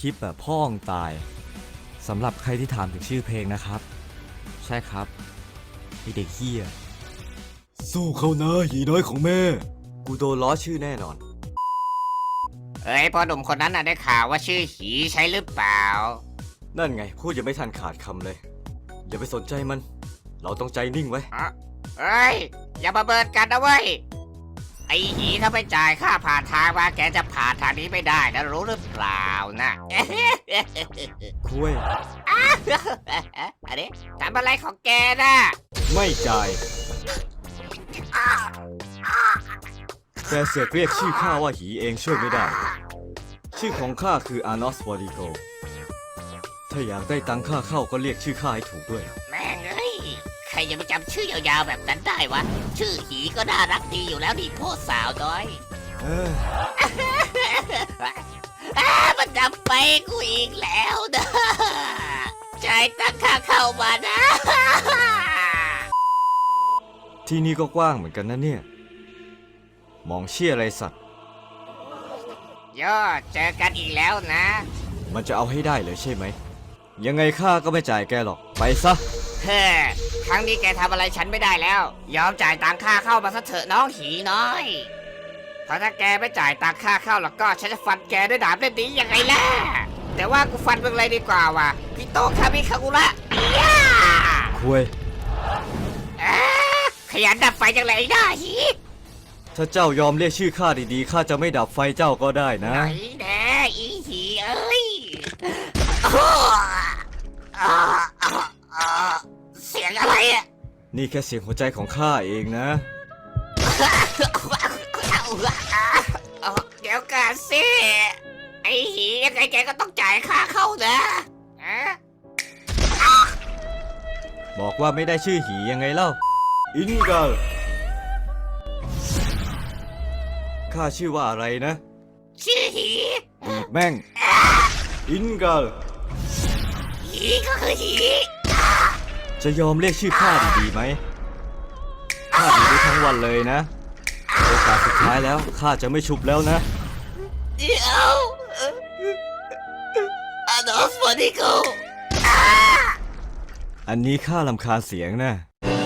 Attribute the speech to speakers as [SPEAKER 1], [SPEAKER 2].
[SPEAKER 1] ลิปแบบพ่องตายสำหรับใครที่ถามถึงชื่อเพลงนะครับใช่ครับไอเด็กเฮียสู้เขานะหีน้อยของแม่กูโดนล้อชื่อแน่นอน
[SPEAKER 2] เอ้ยพ่อหนุ่มคนนั้นน่ะได้ข่าวว่าชื่อหีใช่หรือเปล่า
[SPEAKER 1] นั่นไงพูดยังไม่ทันขาดคำเลยอย่าไปสนใจมันเราต้องใจนิ่งไว้
[SPEAKER 2] เอ้ยอย่ามาเบิดกันนะเว้ยไอ้หีถ้าไม่จ่ายค่าผ่านทางมาแกจะผ่านทางนี้ไม่ได้นะรู้หรือเปล่านะ
[SPEAKER 1] คุย
[SPEAKER 2] อันนี้ทำอะไรของแกน่ะ
[SPEAKER 1] ไม่จ่ายแกเสือกเรียกชื่อข้าว่าหีเองช่วยไม่ได้ชื่อของข้าคืออานอสวอริโกถ้าอยากได้ตังค่าเข้าก็เรียกชื่อข้าให้ถูกด้วย
[SPEAKER 2] แม่งเอ้ยใครจะไปจำชื่อยาวๆแบบนั้นได้วะชื่อหีก็น่ารักดีอยู่แล้วดิพ่อสาวน้อย
[SPEAKER 1] เออ
[SPEAKER 2] มันจำไปกูอีกแล้วนะจ่ายตังค่าเข้ามานะ
[SPEAKER 1] ที่นี่ก็กว้างเหมือนกันนะเนี่ยมองเชี่ยอะไรสัตว์
[SPEAKER 2] ย่อเจอกันอีกแล้วนะ
[SPEAKER 1] มันจะเอาให้ได้เลยใช่ไหมยังไงข้าก็ไม่จ่ายแกหรอกไปซะ
[SPEAKER 2] เฮ้ครั้งนี้แกทำอะไรฉันไม่ได้แล้ว ยอมจ่ายตังค่าเข้ามาซะเถอะน้องหีน้อยเพราะถ้าแกไม่จ่ายตังค่าเข้าแล้วก็ฉันจะฟันแกด้วยดาบเล่มนี้ยังไงล่ะแต่ว่ากูฟันมึงเลยดีกว่าว่ะพี่โตคามิคากุระย่า
[SPEAKER 1] คุย
[SPEAKER 2] ขยันดับไฟจังเลยไอ้หน้าหี
[SPEAKER 1] ถ้าเจ้ายอมเรียกชื่อข้าดีๆข้าจะไม่ดับไฟเจ้าก็ได้นะ
[SPEAKER 2] ไหนแน่อีหีเอ้ยอ้ออ้ออ้อเสียงอะไรอ่ะ
[SPEAKER 1] นี่แค่เสียงหัวใจของข้าเองนะ
[SPEAKER 2] เดี๋ยวกันสิไอ้หียังไงแกก็ต้องจ่ายค่าเข้านะอะ
[SPEAKER 1] บอกว่าไม่ได้ชื่อหียังไงเล่าอินกัลข้าชื่อว่าอะไรนะ
[SPEAKER 2] ชื่อหี
[SPEAKER 1] อีกแม่งอินกัล
[SPEAKER 2] หีก็คือหี
[SPEAKER 1] จะยอมเรียกชื่อข้าดีๆไหมข้าดีได้ทั้งวันเลยนะโอกาสสุดท้ายแล้วข้าจะไม่ชุบแล้วนะ
[SPEAKER 2] เดี๋ยวอดอล์ฟวอนิโก
[SPEAKER 1] อันนี้ข้ารำคาญเสียงนะ